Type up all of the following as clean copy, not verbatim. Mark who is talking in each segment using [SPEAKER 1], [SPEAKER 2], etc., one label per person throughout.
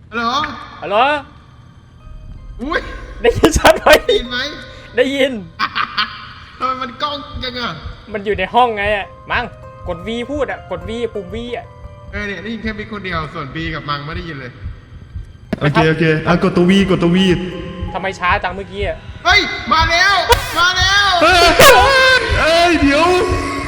[SPEAKER 1] ฮัลโหล
[SPEAKER 2] ฮัลโหล
[SPEAKER 1] อุ้ย
[SPEAKER 2] ได้ยินชัดไหม
[SPEAKER 1] ได้ยินไหม
[SPEAKER 2] ได้ยิน
[SPEAKER 1] ทำไมมันกล้องจังอ่ะ
[SPEAKER 2] มันอยู่ในห้องไงอ่ะมั้งกด V พูดอ่ะกด V ปุ่ม V อ่ะ
[SPEAKER 1] เนี่ยได้ยินแค่มีคนเดียวส่วนบีกับมังไม่ได้ยินเลย
[SPEAKER 3] โอเคกดตัววีกดตัววี
[SPEAKER 2] ทำไมช้าจังเมื่อกี้อ่ะ
[SPEAKER 1] เฮ้ยมาแล้วมาแล้ว
[SPEAKER 3] เอ้ยเดี๋ยว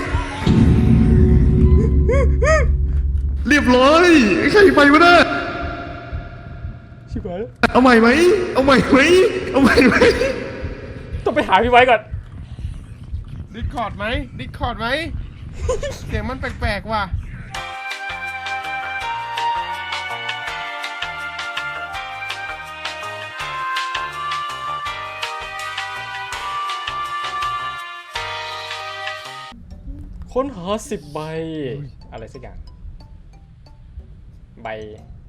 [SPEAKER 3] เรียบร้อยใครไปวะเนี่ย
[SPEAKER 2] ชิบหายแล้ว
[SPEAKER 3] เอาใหม่ไหมเอาใหม่ไหมเอาใหม่ไหม
[SPEAKER 2] ต้องไปหาพี่ไว้ก่อน
[SPEAKER 1] ดิสคอร์ดไหมดิสคอร์ดไหม เสียงมันแปลกๆว่ะ
[SPEAKER 2] ค้นหา10 ใบอะไรสักอย่างใบ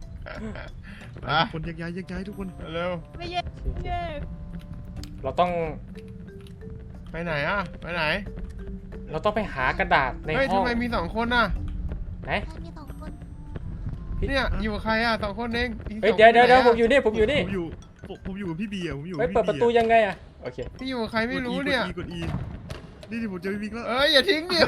[SPEAKER 3] คนย้ายทุกคน
[SPEAKER 1] เร็ว
[SPEAKER 4] ไม่แยกไม่แยก
[SPEAKER 2] เราต้อง
[SPEAKER 1] ไปไหนอ่ะไปไหน
[SPEAKER 2] เราต้องไปหากระดาษใน
[SPEAKER 1] เฮ้ย
[SPEAKER 2] ห้อง
[SPEAKER 1] ทำไมมี2 คนน่ะ
[SPEAKER 2] ไหน
[SPEAKER 4] ใครมี2 คน
[SPEAKER 1] เนี่ยอยู่กับใครอ่ะ2 คนเองอีก
[SPEAKER 2] เฮ้ย
[SPEAKER 1] 2
[SPEAKER 2] เดี๋ยว
[SPEAKER 1] คนไหนอะ
[SPEAKER 2] ผมอยู่นี่ผมอยู่นี่
[SPEAKER 3] ผมอยู่กับพี่บีอะผมอยู่
[SPEAKER 2] เฮ้ยเปิดประตูยังไงอ่ะโอเค
[SPEAKER 1] พี่อยู่กับใครไม่รู้เนี่ย
[SPEAKER 3] กด E นี่ผมเจอพี่บิ๊กแล้ว
[SPEAKER 1] เอ้ยอย่าทิ้งดิ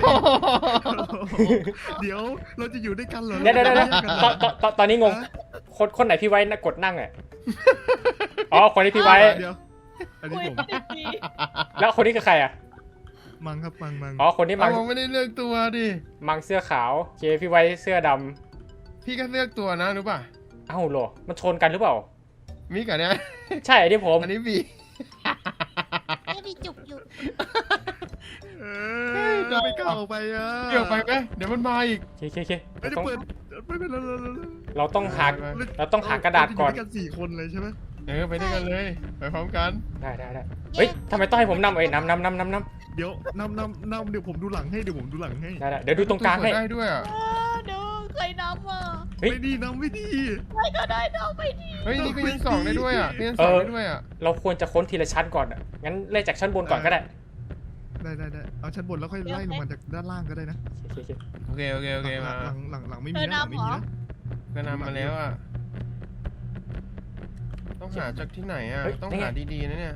[SPEAKER 3] เดี๋ยวเราจะอยู่ด้วยกันเหรอ
[SPEAKER 2] เดี๋ยวตอนนี้งงคนไหนพี่ไว้นะกดนั่งอ่ะอ๋อคนนี้พี่ไว้
[SPEAKER 3] เดี๋ยวอันนี้
[SPEAKER 4] คุย
[SPEAKER 3] ผม
[SPEAKER 4] ดี
[SPEAKER 2] แล้วคนนี้คือใครอ่ะ
[SPEAKER 3] มังครับมัง
[SPEAKER 2] อ๋อคนนี้มั
[SPEAKER 1] เอา
[SPEAKER 2] ง
[SPEAKER 1] ไม่ได้เลือกตัวดิ
[SPEAKER 2] มังเสื้อขาวเคพี่ไว้เสื้อด
[SPEAKER 1] พี่ก็เลือกตัวนะรู้ป่ะ
[SPEAKER 2] ำเอ้าโหรอมันชนกันหรือเปล่า
[SPEAKER 1] มิกอะเนี่ย
[SPEAKER 2] ใช่อันนี้ผม
[SPEAKER 1] อันนี้บี
[SPEAKER 4] ไม่มีจุกอยู่
[SPEAKER 3] จะไม่กล้าออกไปอ่ะ
[SPEAKER 1] เกี่ยวไปไหมเดี๋ยวมันมาอีก
[SPEAKER 2] เค
[SPEAKER 3] ไม่ได้เปิดไม่เป็นไร
[SPEAKER 2] เราต้องหากระดาษก่อน
[SPEAKER 3] กัน4 คนเลยใช่ไหม
[SPEAKER 1] ไปด้วยกันเลยไปพร้อมกัน
[SPEAKER 2] ได้เฮ้ยทำไมต้องให้ผมนำนำ
[SPEAKER 3] เดี๋ยวนำเดี๋ยวผมดูหลังให้
[SPEAKER 2] ได้เดี๋ยวดูตรงกลางให้
[SPEAKER 1] ได้ด้วยอ่ะ
[SPEAKER 4] เดี๋ยวใครน้ำอ่ะ
[SPEAKER 2] เฮ้ย
[SPEAKER 3] ไม่ดีนำไม่ดี
[SPEAKER 4] ใครก็ได้น้ำไม่ดี
[SPEAKER 1] เฮ้ยนี่ก็ยัง2ได้ด้วยอ่ะนี่ยัง2ได้ด้วยอ่ะ
[SPEAKER 2] เราควรจะค้นทีละชั้นก่อนอ่ะงั้นเริ่มจากชั้นบนก่อนก็ได้
[SPEAKER 3] ได้เอาชั้นบนแล้วค่อยไล่ลงมาจากด้านล่างก็ได้นะ
[SPEAKER 2] โอเค
[SPEAKER 1] โอเคมา
[SPEAKER 3] หลังไม่มีนะไม่มีนะ
[SPEAKER 1] ก็นำมาแล้วอ่ะต้องหาจากที่ไหนอ่ะต้องหาดีๆนะเนี่ย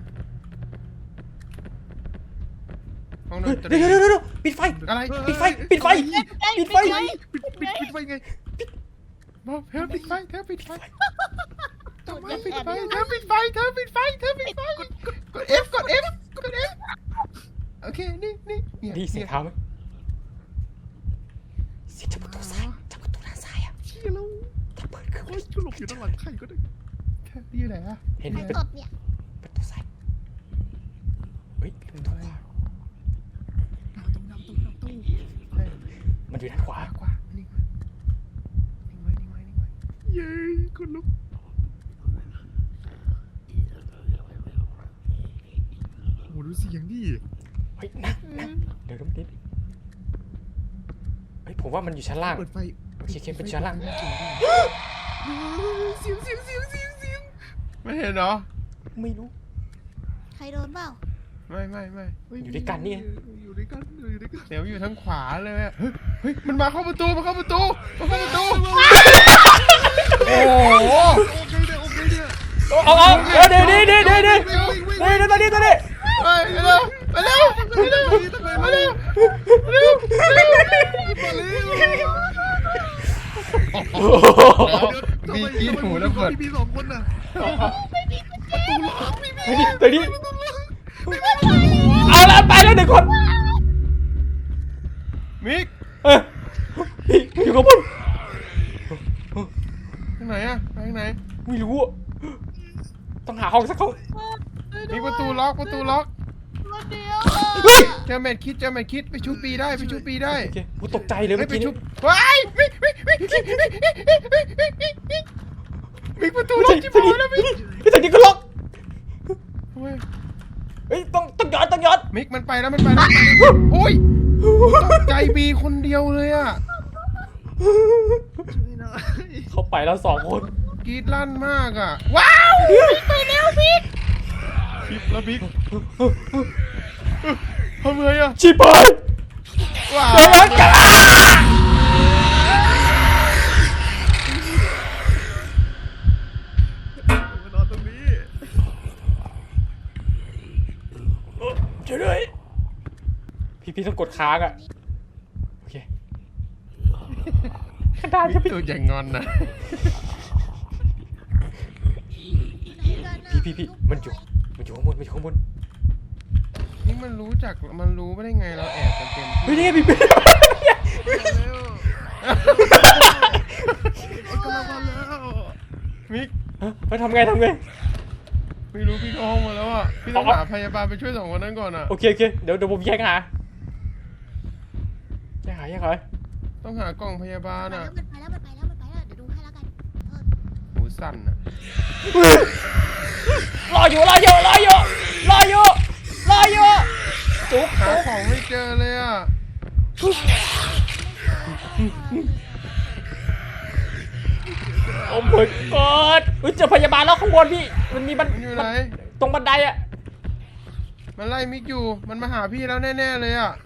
[SPEAKER 1] ห้องดนตรี
[SPEAKER 2] เดี๋ยวปิดไฟ
[SPEAKER 1] อะไร
[SPEAKER 2] ปิดไฟ
[SPEAKER 3] ปิดไฟไง
[SPEAKER 1] บอกเธอปิดไฟเธอปิดไฟ
[SPEAKER 4] จุด
[SPEAKER 1] เธอปิด
[SPEAKER 4] แอบ
[SPEAKER 1] ไฟเธอปิดไฟเธอปิดไฟเธอปิดไฟกด F กด F กด F โอเคนี่
[SPEAKER 2] ดีเสียงเท้าไหมเสียงจับประตูซ้ายจับประตูด้านซ้ายอ่ะ
[SPEAKER 3] เชี่ยแล้ว
[SPEAKER 2] ถ้าเปิดขึ้น
[SPEAKER 3] โอ้ยกูหลบอยู่ด้านหลังใครก็ได้
[SPEAKER 1] นี่ไหนอ่ะ
[SPEAKER 2] เห็น
[SPEAKER 4] มัน
[SPEAKER 2] เป็น
[SPEAKER 4] สดเนี่ย
[SPEAKER 2] ประตูซ้ายเฮ้ยประตูขวามันอยู่ด้านขวา
[SPEAKER 1] กว่านิ่งไว้
[SPEAKER 3] เย้คนลุกโอ้ดูเสียงดิ
[SPEAKER 2] เฮ้ยนั่งเดี๋ยวนิดเฮ้ยผมว่ามันอยู่ชั้นล่าง
[SPEAKER 3] เปิดไฟ
[SPEAKER 2] โอเคเป็นชั้นล่าง
[SPEAKER 3] เสียง
[SPEAKER 1] ไม่เห็นเหรอ
[SPEAKER 2] ไม่รู้
[SPEAKER 4] ใครโดนเปล่า
[SPEAKER 1] ไม่
[SPEAKER 2] อยู่ด้วยกันนี่
[SPEAKER 3] อยู่ด้วยกัน
[SPEAKER 1] เดี๋ยวอยู่ทางขวาเลยอะเฮ้ยมันมาเข้าประตูโอ้โห
[SPEAKER 3] โอเคเนี่ย
[SPEAKER 2] เดี๋ยวตอนนี้
[SPEAKER 1] ไปเร็วมีกินหูแล้วเปิด
[SPEAKER 3] พี่2 คนน่ะประตูล็อกพี่
[SPEAKER 2] ตัวนี้เอาละไปแล้ว1 คน
[SPEAKER 1] มิก
[SPEAKER 2] พี่อยู่กับผม
[SPEAKER 1] ทางไหนอะไปทางไหน
[SPEAKER 2] ไม่รู้ต้องหาห้องสักห้อง
[SPEAKER 1] มีประตูล็อก
[SPEAKER 4] คนเดียว
[SPEAKER 1] เจอแมทคิดไปชูปีได้
[SPEAKER 2] โอเคกูตกใจเลยเมื่อ
[SPEAKER 1] ไป
[SPEAKER 2] กี้
[SPEAKER 1] ชู
[SPEAKER 2] นี้
[SPEAKER 1] ว้ายมิกประตูล็อกจิ๋วแล้วมิก
[SPEAKER 2] พี่สังเกตก็ล็อกเฮ้ยต้องย้อน
[SPEAKER 1] มิกมันไปแล้วโอ้ยตกใจบีคนเดียวเลยอะ
[SPEAKER 2] เข้าไปแล้ว2 คน
[SPEAKER 1] กรีดลั่นมากอะว้าวไปแล้วมิกแล้วมิกทำไงอะ
[SPEAKER 2] ชิบหาย
[SPEAKER 1] ว้าว
[SPEAKER 2] แล้วกันพี่ต้องกดค้างอ่ะโอเคกระดาษ
[SPEAKER 3] มิ
[SPEAKER 2] จะ
[SPEAKER 3] ก
[SPEAKER 2] พี่
[SPEAKER 3] ตัวอย่างงอนนะ
[SPEAKER 2] พี่มันอยู่ข้างบนมันอยู่ข้างบน
[SPEAKER 3] นี่มันรู้ไม่ได้ไงเราแอบกันเต็ม
[SPEAKER 2] เฮ้ยนี่ไงพี่
[SPEAKER 3] กำลังมาแล้วมิก
[SPEAKER 2] ทำไง
[SPEAKER 3] ไม่รู้พี่เข้าห้องมาแล้วอ่ะพี่ต้องหาพยาบาลไปช่วย2 คนนั้นก่อนอ่ะ
[SPEAKER 2] โอเคเดี๋ยวผมแยกหา
[SPEAKER 3] ต้องหากล่องพยาบาลอ่ะ
[SPEAKER 4] มันไปแล้วเดี๋ยวดูให้แล้วกัน
[SPEAKER 3] หูสั่นอ่ะ
[SPEAKER 2] รออยู่จุ๊บ
[SPEAKER 3] หาของไม่เจอเลยอ่ะ
[SPEAKER 2] โอ้ my god เจอพยาบาลแล้วข้างบนพี่มัน
[SPEAKER 3] อยู่ไหน
[SPEAKER 2] ตรงบันไดอ่ะ
[SPEAKER 3] มันไล่มิกอยู่มันมาหาพี่แล้วแน่ๆเลยอ่ะ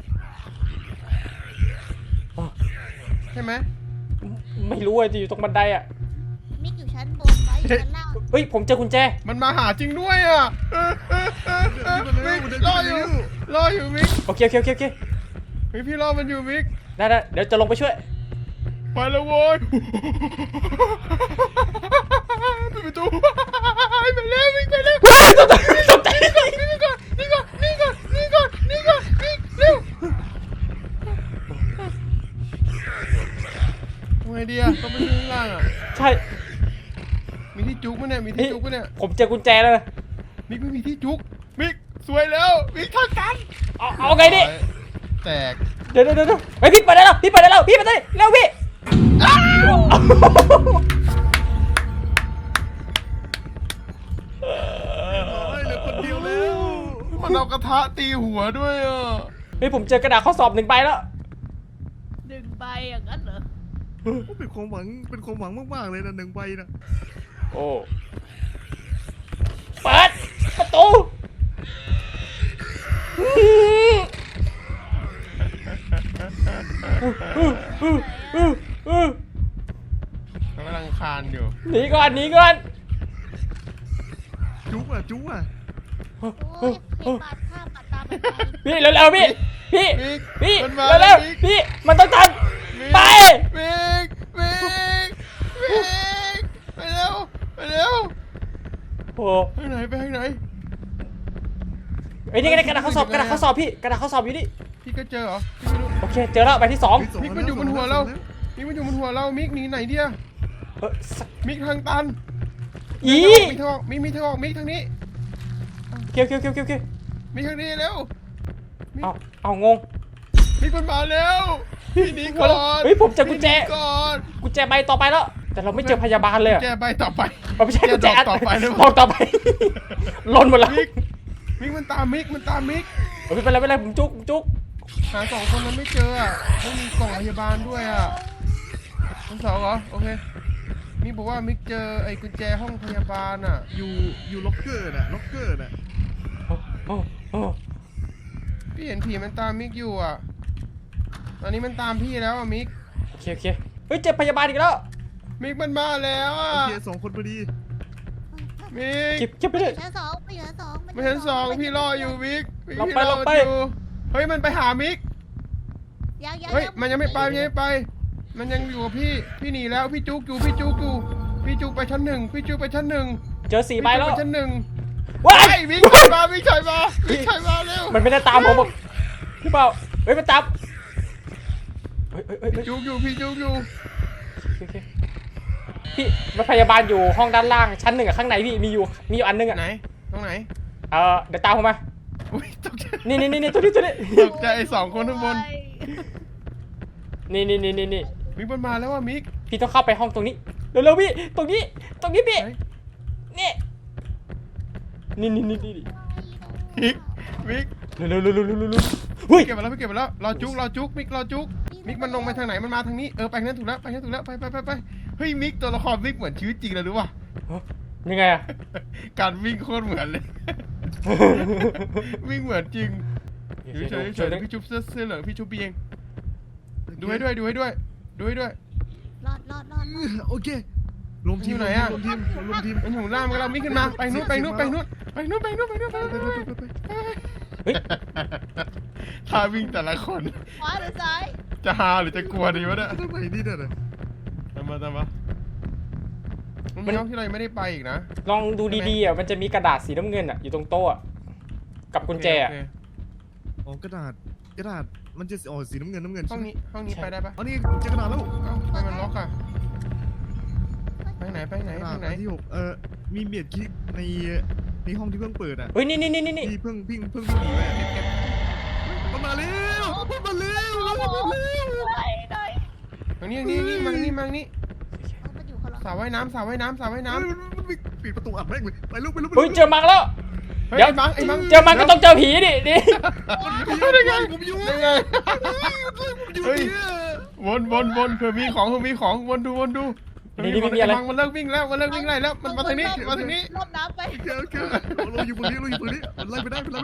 [SPEAKER 3] ใช่ไหม
[SPEAKER 2] ไม่รู้อ่ะจะอยู่ตรงบันไดอ่ะ
[SPEAKER 4] มิกอยู่ชั้นบนไว้อยู่ชั้นล่าง
[SPEAKER 2] เฮ้ยผมเจอกุญแจ
[SPEAKER 3] มันมาหาจริงด้วยอ่ะมิกรออยู่มิก
[SPEAKER 2] โอเค
[SPEAKER 3] พี่รอมันอยู่มิก
[SPEAKER 2] ได้เดี๋ยวจะลงไปช่วย
[SPEAKER 3] ไปแล้วโว้ยปิดประตูไปแล้วมิกไปแล้ว
[SPEAKER 2] ตกใจ
[SPEAKER 3] นี่ก่อนมิกเร็วทำไงดีอ่ะต้องไปข้างล่างอ่ะ
[SPEAKER 2] ใช่
[SPEAKER 3] มีที่จุกมั้ยเนี่ย
[SPEAKER 2] ผมเจอกุญแจแล้วนะ
[SPEAKER 3] มิกไม่มีที่จุกมิกสวยแล้วมิกทางกัน
[SPEAKER 2] เอาไงดิ
[SPEAKER 3] แตก
[SPEAKER 2] เดี๋ยวเฮ้ยพี่เปิดได้แล้วพี่เปิดได้แล้วเร็วพี่
[SPEAKER 3] เหลือคนเดียวแล้วมันเอากระทะตีหัวด้วยอ่ะ
[SPEAKER 2] เฮ้ยผมเจอกระดาษข้อสอบ1 ใบแล้ว
[SPEAKER 4] 1 ใบอย่างนั้นเหรอ
[SPEAKER 3] เป็นความหวังมากๆเลยนะ1 ใบนะ
[SPEAKER 2] โอ้เปิดประตู
[SPEAKER 3] กำลังคานอยู่
[SPEAKER 2] หนีก่อน
[SPEAKER 3] จุกอ่ะ
[SPEAKER 4] โอ้ยเห็นบาดข้ามบาดตาไป
[SPEAKER 2] พี่เร็วๆพี่
[SPEAKER 3] มันมา
[SPEAKER 2] เร็ว
[SPEAKER 3] มิก
[SPEAKER 2] ๆพี่มันต้องทันไป
[SPEAKER 3] มิกไปเร็ว
[SPEAKER 2] โอ้
[SPEAKER 3] ไปทางไหน
[SPEAKER 2] ไอ้นี่ไงกระดาษข้อสอบพี่กระดาษข้อสอบอยู่นี่
[SPEAKER 3] พี่ก็เจอเหรอพี่ไม่รู้
[SPEAKER 2] โอเคเจอแล้วใบที่ 2
[SPEAKER 3] มิกมันอยู่บนหัวเรามิกหนีไหนเดียมิกทางตัน
[SPEAKER 2] อี
[SPEAKER 3] มิกทางออกมิกทางนี้
[SPEAKER 2] เกี่ยว
[SPEAKER 3] มิกทางนี้เร็ว
[SPEAKER 2] เอางง
[SPEAKER 3] มิกมันมาแล้วพี่หนีก่อน
[SPEAKER 2] เฮ้ยผมเจอกุญแจ
[SPEAKER 3] พี่หนีก่อน
[SPEAKER 2] กุญแจใบต่อไปแล้ว แต่เราไม่เจอพยาบาลเลย
[SPEAKER 3] แกใบต่อไป
[SPEAKER 2] ไม่ใช่กุญแจ
[SPEAKER 3] ต่อไปเลย
[SPEAKER 2] บอกต่อไปหล่นหมดแล้ว
[SPEAKER 3] มิกมันตามมิก
[SPEAKER 2] ไม่เป็นไรผมจุก
[SPEAKER 3] หา2 คนนั้นไม่เจออ่ะไม่มีกล่องพยาบาลด้วยอ่ะทั้ง 2เหรอโอเคมิกบอกว่ามิกเจอไอ้กุญแจห้องพยาบาลอ่ะอยู่ล็อกเกอร์น่ะพี่เห็นผีมันตามมิกอยู่อ่ะตอนนี้มันตามพี่แล้วอ่ะมิก
[SPEAKER 2] โอเคเฮ้ยเจอพยาบาลอีกแล้ว
[SPEAKER 3] มิกมันมาแล้วอ่ะ
[SPEAKER 1] โอเค2 คนพอดี
[SPEAKER 3] มิก
[SPEAKER 2] เก็บไปเลย
[SPEAKER 4] ชั้น 2ไปชั้น 2
[SPEAKER 3] ไม่ชั้น 2พี่รออยู่มิก
[SPEAKER 2] เรา
[SPEAKER 3] พี่
[SPEAKER 2] ไป
[SPEAKER 3] รออยู่เฮ้ยมันไปหามิก
[SPEAKER 4] ยัง
[SPEAKER 3] เฮ้ยมันยังไม่ไปมันยังอยู่กับพี่หนีแล้วพี่จุกไปชั้น 1พี่จุกไปชั้น 1
[SPEAKER 2] เจอ4 ใบแล้ว
[SPEAKER 3] ไปชั้น 1
[SPEAKER 2] ว้า
[SPEAKER 3] ไอ้
[SPEAKER 2] ย
[SPEAKER 3] มิกถอยมาเร็ว
[SPEAKER 2] มันไม่ได้ตามผมบอกพี่เปล่าเฮ้ยมันตามเฮ้ย
[SPEAKER 3] พี่จุกอยู่
[SPEAKER 2] โอเคพี่รถพยาบาลอยู่ห้องด้านล่างชั้น 1อะข้างในพี่มีอยู่อันนึงอะ
[SPEAKER 3] ไหนตรงไหน
[SPEAKER 2] เดี๋ยวตามผมมา
[SPEAKER 3] อุ้ยตกใจ
[SPEAKER 2] นี่ตัวนี้
[SPEAKER 3] ตกใจไอ้2 คนข้างบน
[SPEAKER 2] นี่
[SPEAKER 3] มิกมันมาแล้วว่ะมิก
[SPEAKER 2] พี่ต้องเข้าไปห้องตรงนี้เร็วๆพี่ตรงนี้พี่
[SPEAKER 3] ไหน
[SPEAKER 2] นี่
[SPEAKER 3] มิก
[SPEAKER 2] เร็วเฮ้ย
[SPEAKER 3] เก็บมาแล้วรอจุกมิกมิกมันลงไปทางไหนมันมาทางนี้ไปทางนั้นถูกแล้วไปเฮ้ยมิกตัวละครมิกเหมือนชีวิตจริงเลยรู้ป่ะ
[SPEAKER 2] ยังไงอะ
[SPEAKER 3] การวิ่งโคตรเหมือนเลย วิ่งเหมือนจริงเฉยพี่จุ๊บเสื้อเหลืองพี่จุ๊บเองดูให้ด้วย
[SPEAKER 4] รอด
[SPEAKER 1] โอเครวมทีม
[SPEAKER 3] อยู่ไหนอะ
[SPEAKER 1] รวมทีม
[SPEAKER 3] มันอยู่ล่างกันเรามิกขึ้นมาไปนู่น
[SPEAKER 2] เฮ้ย
[SPEAKER 1] ถ้าวิ่งแต่ละคน
[SPEAKER 4] ขวาหรือซ้าย
[SPEAKER 1] จะฮาหรือจะกลัวดีวะเนี่ย
[SPEAKER 3] ทำไมนี่เนี่ย
[SPEAKER 1] ตามมามันมีห้องที่เรายังไม่ได้ไปอีกนะ
[SPEAKER 2] ลองดูดีๆอ่ะมันจะมีกระดาษสีน้ำเงินอ่ะอยู่ตรงโต๊ะอะกับกุญแจอะ
[SPEAKER 1] โอเค
[SPEAKER 3] อ๋อกระดาษมันจะสีน้ำเงิน
[SPEAKER 1] ห้องนี้ไปได้ปะ
[SPEAKER 3] อ๋อนี่เจอกระดาษแล้ว
[SPEAKER 1] เอ้าทำไมมันล็อกอะไปไหน
[SPEAKER 3] กระดาษที่6มีเบียดคลิกในห้องที่เพิ่งเปิดอ่ะ
[SPEAKER 2] เฮ้ยนี่
[SPEAKER 3] ที่เพิ่งหนีไปเก็บมันมาแล้วมันมาแล้ว
[SPEAKER 4] ไหน
[SPEAKER 1] ทางนี้มาทางนี้
[SPEAKER 4] มันอยู่คนละ
[SPEAKER 1] สระว่ายน้ำ
[SPEAKER 3] มันปิดประตูอัดแม่งเลยไปลูก
[SPEAKER 2] เฮ้ยเจอมังแล้ว
[SPEAKER 1] เฮ้ย
[SPEAKER 2] เดี๋ยว
[SPEAKER 1] ไอ้มัง
[SPEAKER 2] เจอมังก็ต้องเจอผีดิ
[SPEAKER 1] ได้ไง
[SPEAKER 3] ผมอยู่
[SPEAKER 1] ได้ไง
[SPEAKER 3] อยู่
[SPEAKER 1] เฮ้ย
[SPEAKER 3] เนี่ย
[SPEAKER 1] วนเผื่อมีของวนดู
[SPEAKER 2] นี่ไม่มีอะไร
[SPEAKER 1] มันเลิกวิ่งแล้วมันไล่แล้วมันมาทางนี้
[SPEAKER 4] รอบน้ำไป
[SPEAKER 3] โอเคเราอยู่บนนี้มันไล่ไม่ได้
[SPEAKER 4] วนรอบ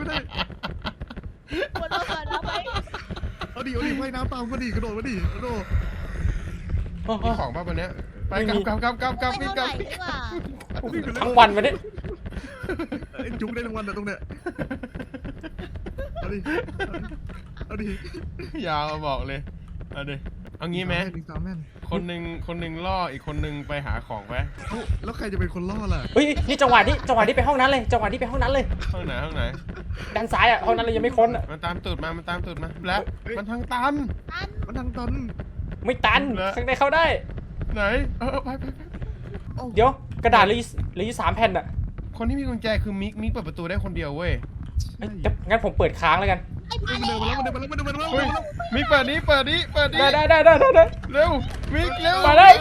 [SPEAKER 4] น้ำไป
[SPEAKER 3] เอาดิว่ายน้ำตามก็ดีกระโดดมาดิกระโดด
[SPEAKER 1] มีของป่ะวันเนี้ยไปกลับ
[SPEAKER 4] ไม่
[SPEAKER 1] วิ่ง
[SPEAKER 4] เท่าก
[SPEAKER 1] ลั
[SPEAKER 4] ไห
[SPEAKER 1] บ
[SPEAKER 4] ร่ดีกว่า
[SPEAKER 2] ทั้งวันมาเนี่ย
[SPEAKER 3] จุ๊บได้รางวัลนะตรงเนี้ยเอาดิ
[SPEAKER 1] ยาวบอกเลยเอางี้ไหม
[SPEAKER 3] สามแม่น
[SPEAKER 1] คนหนึ่งล่ออีกคนหนึ่งไปหาของไป
[SPEAKER 3] แล้วใครจะเป็นคนล่อล่ะ
[SPEAKER 2] เฮ้ยนี่จังหวะนี้ไปห้องนั้นเลยจังหวะนี้ไปห้องนั้นเลย
[SPEAKER 1] ห้องไหน
[SPEAKER 2] ด้านซ้ายอ่ะห้องนั้นเลยยังไม่ค้นอ่ะ
[SPEAKER 1] มันตามตูดมาแล้วมันทางตัน
[SPEAKER 3] มันทางตัน
[SPEAKER 2] ไม่ตัน
[SPEAKER 1] แล้ว
[SPEAKER 2] ข้างในเข้าได้
[SPEAKER 1] ไหนไป
[SPEAKER 2] เดี๋ยวกระดาษเหลืออยู่3 แผ่นอ่ะ
[SPEAKER 1] คนที่มีกุญแจคือมิกเปิดประตูได้คนเดียวเว้ย
[SPEAKER 2] เอ้ยงั้นผมเปิดค้างแล้วกัน
[SPEAKER 4] ไอ้พา
[SPEAKER 3] มันเดินมาแล้ว
[SPEAKER 1] เฮ้ยมิกเปิดนี้
[SPEAKER 2] ได้
[SPEAKER 1] เร็วมิกเร็ว
[SPEAKER 2] มาแล้ว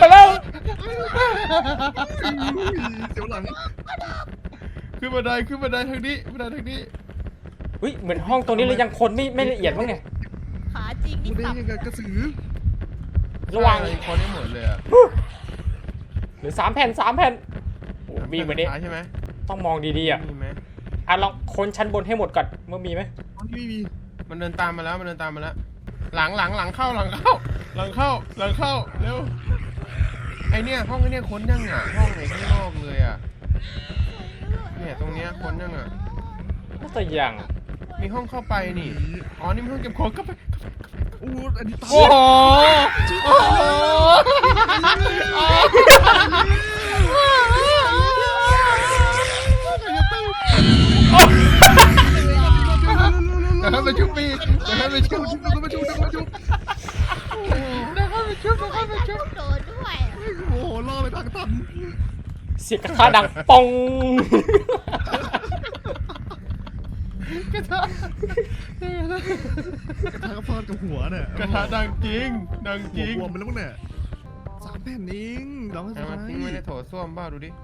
[SPEAKER 3] เดี๋ยวหลัง
[SPEAKER 1] ขึ้นบันไดทางนี้
[SPEAKER 2] เฮ้ยเหมือนห้องตรงนี้เลยยังคนไม่ละเอียดบ้างเนี่ย
[SPEAKER 4] ขาจริง
[SPEAKER 3] กู
[SPEAKER 4] นี่
[SPEAKER 3] ได้
[SPEAKER 4] สับ
[SPEAKER 3] ยังไงกระสือ
[SPEAKER 2] ระวัง
[SPEAKER 1] ใช่คนได้หมดเลยอะ
[SPEAKER 2] เหลือ3 แผ่นโอ้มีเหมือนนี้
[SPEAKER 1] ใช่ไหม
[SPEAKER 2] ต้องมองดีๆอ่ะ
[SPEAKER 1] มีไหม
[SPEAKER 2] ลองค้นชั้นบนให้หมดก่อนว่ามีไหม
[SPEAKER 3] อ๋อนี่ไม่มี
[SPEAKER 1] มันเดินตามมาแล้วหลังเข้าเร็วไอเนี่ยห้องไอเนี่ยค้นยังอ่ะห้องไหนข้างนอกเลยอ่ะเนี่ยตรงเนี้ยค้นยังอ่ะ
[SPEAKER 2] น่าจะยัง
[SPEAKER 1] มีห้องเข้าไปนี่อ๋อนี่มันห้องเก็บของเข้าไป
[SPEAKER 3] โอ้อันนี้ตาย
[SPEAKER 1] โอ้โหเดี๋ยวให้ไปชุบปีเดี๋ยวให้ไปชุบ
[SPEAKER 4] โดนด้วย
[SPEAKER 3] โอ้โหล่อไปทางตัน
[SPEAKER 2] เสียงกระทะดังปอง
[SPEAKER 1] กระทะ
[SPEAKER 3] กระทะกระพอนกับหัวเนี่ย
[SPEAKER 1] กระทะดังจริง
[SPEAKER 3] หัวมันแล้วมั้งเนี่ย3 แผ่นเองเราให้
[SPEAKER 1] เอา
[SPEAKER 3] สุด
[SPEAKER 1] มา
[SPEAKER 3] ท้าย
[SPEAKER 1] ทิ้งไว้ในโถส้วมบ้าดูดิ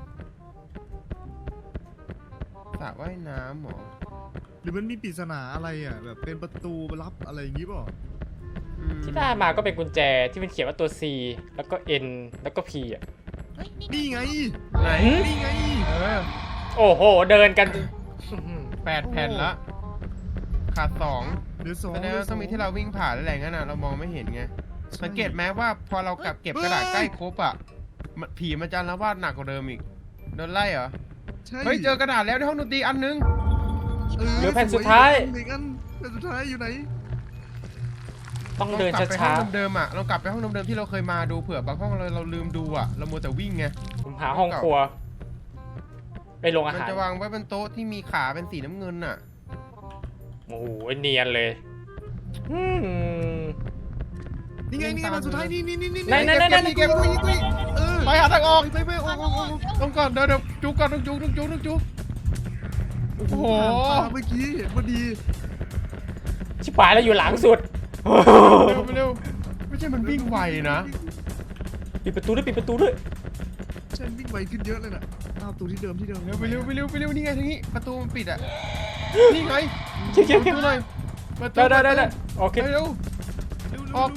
[SPEAKER 1] สระว่ายน้ำหรอ
[SPEAKER 3] หรือมันมีปริศนาอะไรอ่ะแบบเป็นประตูลับอะไรอย่างงี้เปล่า
[SPEAKER 2] ที่ได้มาก็เป็นกุญแจที่มันเขียนว่าตัว C แล้วก็ N แล้วก็ P อ่ะ
[SPEAKER 4] เฮ้ย
[SPEAKER 3] นี่ไง
[SPEAKER 1] ไหน
[SPEAKER 3] นี่ไง
[SPEAKER 2] โอ้โหเดินกัน
[SPEAKER 1] 8 แผ่นละขาด2
[SPEAKER 3] เดี๋ยว2
[SPEAKER 1] แสดงว่าต้องมีที่เราวิ่งผ่านแล้วแหละงั้นน่ะเรามองไม่เห็นไงสังเกตไหมว่าพอเรากลับเก็บกระดาษใกล้ครบอ่ะผีมันจะอาละวาดหนักกว่าเดิมอีกโดนไล่เหรอ
[SPEAKER 3] ใช่
[SPEAKER 1] เฮ้ยเจอกระดาษแล้วในห้องดนตรีอันนึง
[SPEAKER 2] เหลือแผ่นสุดท้าย
[SPEAKER 3] หนึ่งอันแผ่นสุดท้ายอยู่ไหน
[SPEAKER 2] ต้องเดิน
[SPEAKER 1] กลับไปห้
[SPEAKER 2] ช้า
[SPEAKER 1] องเดิมๆอ่ะเรากลับไปห้องเดิมๆที่เราเคยมาดูเผื่อบางห้องเราลืมดูอ่ะเรามัวแต่วิ่งไง
[SPEAKER 2] ๆผมหาห้องครัว ไปลงอา
[SPEAKER 1] มัน
[SPEAKER 2] หาร
[SPEAKER 1] จะวางไว้บนโต๊ะที่มีขาเป็นสีน้ำเงินน่ะ
[SPEAKER 2] โอ้โหเนียนเลยอืม
[SPEAKER 3] นี่ไงนี่ไงแผ่นสุดท้ายนี่
[SPEAKER 2] ไหน
[SPEAKER 1] เก็บ
[SPEAKER 3] เออ
[SPEAKER 1] ไปหาทางออก
[SPEAKER 3] ไปออก
[SPEAKER 1] ต้องก่อนเดี๋ยวจุกก่อนต้องจุกโอ้โห
[SPEAKER 3] ผ่านตาเมื่อกี้เห็นพอดี
[SPEAKER 2] ชิบหายแล้วอยู่หลังสุด
[SPEAKER 1] เร็วไม่ใช่มันวิ่งไวนะ
[SPEAKER 2] ปิดประตูด้วย
[SPEAKER 3] ฉันวิ่งไวขึ้นเยอะเลยน่ะตามประตูที่เดิม
[SPEAKER 1] เร็วไปเร็วนี่ไงทางนี้ประตูมันปิดอ่ะนี่ไง
[SPEAKER 2] เขียว
[SPEAKER 1] ดูหน่อยประตู
[SPEAKER 2] ได้โอเค
[SPEAKER 1] เร็วออก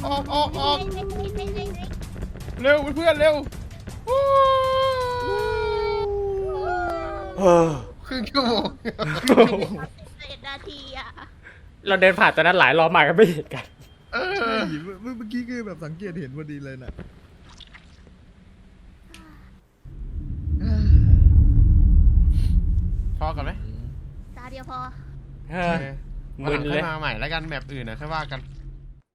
[SPEAKER 4] เฮ้ย
[SPEAKER 1] เร็วเพื่อนเร็วครึ่งชั่วโมง
[SPEAKER 4] 7 นาทีอ่ะ
[SPEAKER 2] เราเดินผ่านตอนนั้นหลายรอบมาก็ไม่เห็นกัน
[SPEAKER 1] เอ
[SPEAKER 3] ใช่
[SPEAKER 1] อ
[SPEAKER 3] เมื่อกี้คือแบบสังเกตเห็นพอดีเลยน่ะ
[SPEAKER 1] พอกันไหม
[SPEAKER 4] ตาเดียวพอ
[SPEAKER 2] เออ
[SPEAKER 1] วันหลัง
[SPEAKER 2] มึน
[SPEAKER 1] ค่
[SPEAKER 2] เล
[SPEAKER 1] อย ยมาใหม่แล้วกันแบบอื่นนะค่อยว่ากัน